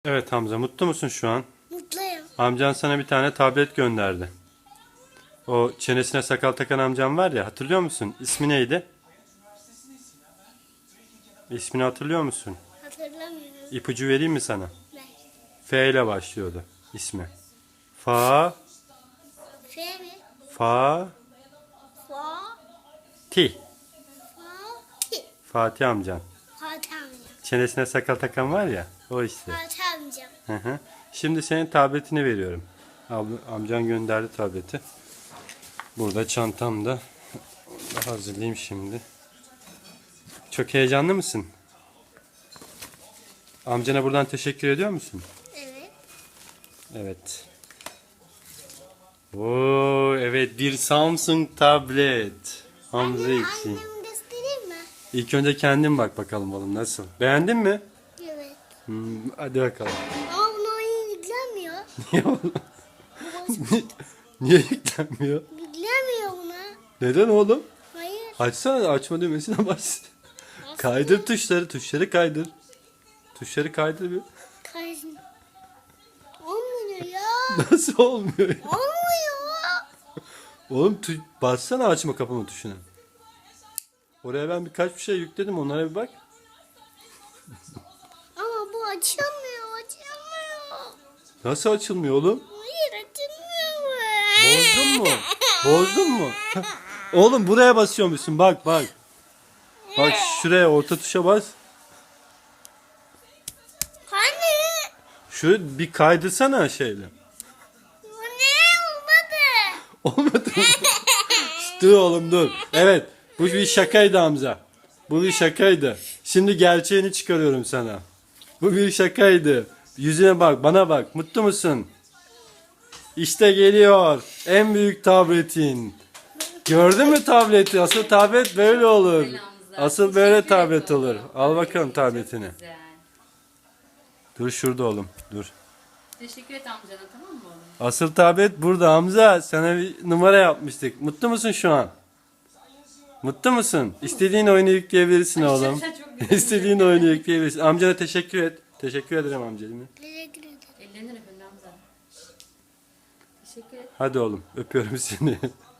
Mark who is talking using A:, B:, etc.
A: Evet Hamza, mutlu musun şu an?
B: Mutluyum.
A: Amcan sana bir tane tablet gönderdi. O çenesine sakal takan amcam var ya, hatırlıyor musun? İsmi neydi? İsmini hatırlıyor musun?
B: Hatırlamıyorum.
A: İpucu vereyim mi sana?
B: Ne?
A: F ile başlıyordu ismi. Fa,
B: F mi?
A: Fa,
B: Fa.
A: Ti.
B: Fa. Ki.
A: Fatih amcan.
B: Fatih amcam.
A: Çenesine sakal takan var ya, o işte.
B: Fatih amcam.
A: Hı hı. Şimdi senin tabletini veriyorum. Amcan gönderdi tableti. Burada çantamda. Onu da hazırlayayım şimdi. Çok heyecanlı mısın? Amcana buradan teşekkür ediyor musun?
B: Evet.
A: Evet. Oo, evet, bir Samsung tablet. Hamza için.
B: Annemi göstereyim mi?
A: İlk önce kendin bak bakalım oğlum, nasıl? Beğendin mi?
B: Evet.
A: Hadi bakalım.
B: Ama buna oyun yüklenmiyor.
A: Niye oğlum? Niye yüklenmiyor?
B: Yüklemiyor buna.
A: Neden oğlum?
B: Hayır.
A: Açsana, açma düğmesine bas. Kaydır tuşları kaydır. Tuşları kaydır bir.
B: Kaysın. Olmuyor ya.
A: Nasıl olmuyor ya?
B: Olmuyor.
A: Oğlum bassana açma kapama tuşuna. Oraya ben birkaç bir şey yükledim, onlara bir bak.
B: Ama bu açılmıyor. Açılmıyor.
A: Nasıl açılmıyor oğlum?
B: Hayır açılmıyor.
A: Bozdun mu? Bozdun mu? Oğlum buraya basıyormuşsun, bak bak. Bak şuraya, orta tuşa bas.
B: Hani?
A: Şöyle bir kaydırsana şeyle.
B: Bu ne olmadı?
A: Olmadı mı? Dur oğlum dur. Evet, bu bir şakaydı Hamza. Bu bir şakaydı. Şimdi gerçeğini çıkarıyorum sana. Bu bir şakaydı. Yüzüne bak, bana bak. Mutlu musun? İşte geliyor en büyük tabletin. Gördün mü tableti? Asıl tablet böyle olur. Asıl böyle tablet olur. Al bakalım tabletini.
C: Güzel.
A: Dur şurada oğlum. Dur.
C: Teşekkür et amcana, tamam mı oğlum?
A: Asıl tablet burada Hamza. Sana bir numara yapmıştık. Mutlu musun şu an? Mutlu musun? İstediğin oyunu yükleyebilirsin oğlum.
C: Çok güzel.
A: İstediğin oyunu yükleyebilirsin. Amcana teşekkür et. Teşekkür ederim amcacığım.
B: Teşekkür ederim.
C: Ellerinden öpün Hamza. Teşekkür et.
A: Hadi oğlum, öpüyorum seni.